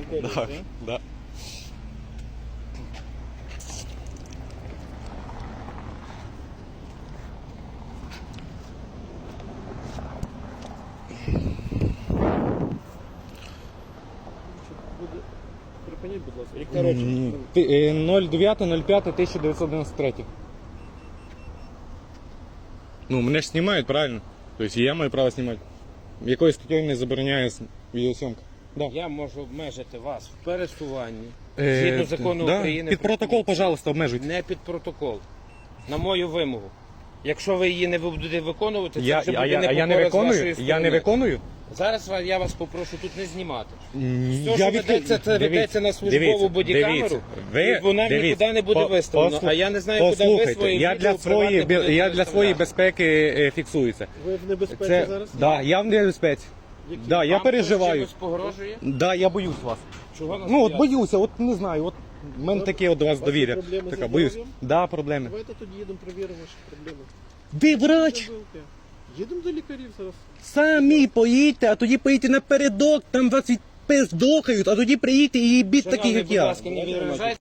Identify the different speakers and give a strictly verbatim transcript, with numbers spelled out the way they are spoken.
Speaker 1: керуєте,
Speaker 2: Так,
Speaker 1: так?
Speaker 2: да.
Speaker 1: Буде... Припиніть, будь ласка. Яка речі?
Speaker 2: М, ти- е, ноль дев'ять ноль п'ять тисяча дев'ятсот дев'яносто три. Ну, мене ж знімають, правильно? Тобто я маю право знімати. Якою статтею не забороняє с- відеосйомка? Да.
Speaker 3: Я можу обмежити вас в пересуванні
Speaker 2: Е,
Speaker 3: згідно закону
Speaker 2: да.
Speaker 3: України.
Speaker 2: Під
Speaker 3: про
Speaker 2: протокол,
Speaker 3: поліцію.
Speaker 2: пожалуйста, обмежуйте.
Speaker 3: Не під протокол. На мою вимогу. Якщо ви її не будете виконувати, це
Speaker 2: Я,
Speaker 3: вже
Speaker 2: а,
Speaker 3: буде
Speaker 2: я, а я не
Speaker 3: непокора з
Speaker 2: виконую?
Speaker 3: вашої
Speaker 2: Я
Speaker 3: сторони.
Speaker 2: не виконую?
Speaker 3: Зараз ва- я вас попрошу тут не знімати.
Speaker 2: М,
Speaker 3: Все, що ведеться, це ведеться на службову бодікамеру, і вона нікуди не буде виставлена. А я не знаю, куди ви
Speaker 2: Послухайте,
Speaker 3: свої
Speaker 2: я для
Speaker 3: відео
Speaker 2: своєї,
Speaker 3: приватне будете
Speaker 2: я для своєї
Speaker 3: виставляти.
Speaker 2: безпеки е, фіксується.
Speaker 1: Ви в небезпеці
Speaker 2: Це,
Speaker 1: зараз?
Speaker 2: да, я в небезпеці.
Speaker 1: Які?
Speaker 2: Да, я
Speaker 3: Вам хтось
Speaker 2: переживаю.
Speaker 3: чимось погрожує?
Speaker 2: Да, я боюсь вас.
Speaker 3: Чого нас
Speaker 2: Ну от
Speaker 3: бояться?
Speaker 2: боюся, от не знаю, от в мене таке от до вас
Speaker 1: У вас є
Speaker 2: довір'я.
Speaker 1: проблеми
Speaker 2: Така,
Speaker 1: зі
Speaker 2: боюсь.
Speaker 1: здоров'ям?
Speaker 2: Да, проблеми.
Speaker 1: Давайте тоді їдемо, перевіримо ваші проблеми.
Speaker 2: Ви врач!
Speaker 1: Їдемо до лікарів зараз.
Speaker 2: Самі поїдьте, а тоді поїдьте напередок, там вас відпиздохають, а тоді приїдьте і їбіть таких,
Speaker 3: Шановний,
Speaker 2: як
Speaker 3: будь
Speaker 2: я.
Speaker 3: ласка, не відражайте.